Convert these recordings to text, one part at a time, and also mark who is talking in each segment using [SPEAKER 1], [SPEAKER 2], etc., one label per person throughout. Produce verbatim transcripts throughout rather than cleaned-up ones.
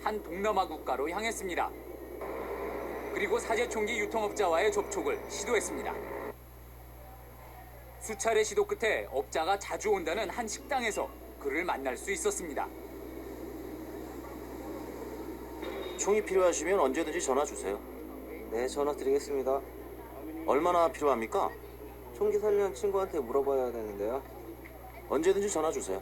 [SPEAKER 1] 한 동남아 국가로 향했습니다. 그리고 사제총기 유통업자와의 접촉을 시도했습니다. 수차례 시도 끝에 업자가 자주 온다는 한 식당에서 그를 만날 수 있었습니다.
[SPEAKER 2] 총이 필요하시면 언제든지 전화 주세요.
[SPEAKER 3] 네, 전화 드리겠습니다.
[SPEAKER 2] 얼마나 필요합니까?
[SPEAKER 3] 총기 살려는 친구한테 물어봐야 되는데요.
[SPEAKER 2] 언제든지 전화 주세요.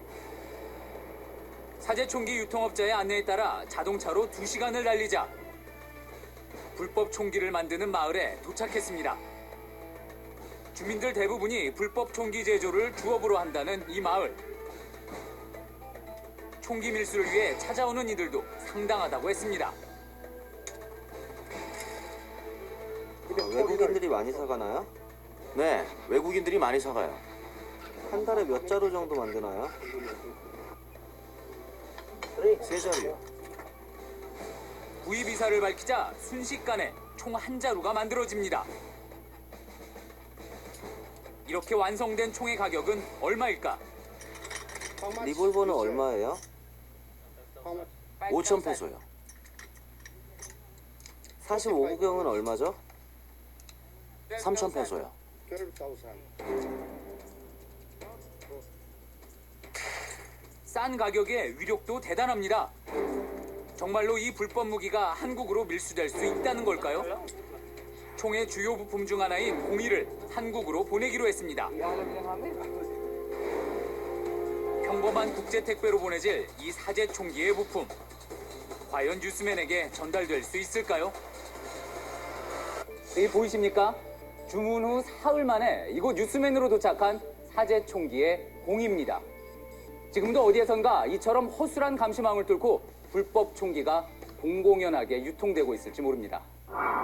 [SPEAKER 1] 사제총기 유통업자의 안내에 따라 자동차로 두 시간을 달리자 불법 총기를 만드는 마을에 도착했습니다. 주민들 대부분이 불법 총기 제조를 주업으로 한다는 이 마을. 총기 밀수를 위해 찾아오는 이들도 상당하다고 했습니다.
[SPEAKER 3] 아, 외국인들이 많이 사가나요?
[SPEAKER 2] 네, 외국인들이 많이 사가요.
[SPEAKER 3] 한 달에 몇 자루 정도 만드나요?
[SPEAKER 2] 세 자루요.
[SPEAKER 1] 구입 이사를 밝히자 순식간에 총 한 자루가 만들어집니다. 이렇게 완성된 총의 가격은 얼마일까?
[SPEAKER 3] 리볼버는 얼마예요?
[SPEAKER 2] 오천 페소요.
[SPEAKER 3] 사십오 구경은 얼마죠?
[SPEAKER 2] 삼천 페소요.
[SPEAKER 1] 싼 가격에 위력도 대단합니다. 정말로 이 불법 무기가 한국으로 밀수될 수 있다는 걸까요? 총의 주요 부품 중 하나인 공이를 한국으로 보내기로 했습니다. 평범한 국제 택배로 보내질 이 사제 총기의 부품. 과연 뉴스맨에게 전달될 수 있을까요? 여기 보이십니까? 주문 후 사흘 만에 이곳 뉴스맨으로 도착한 사제 총기의 공입니다. 지금도 어디에선가 이처럼 허술한 감시망을 뚫고 불법 총기가 공공연하게 유통되고 있을지 모릅니다.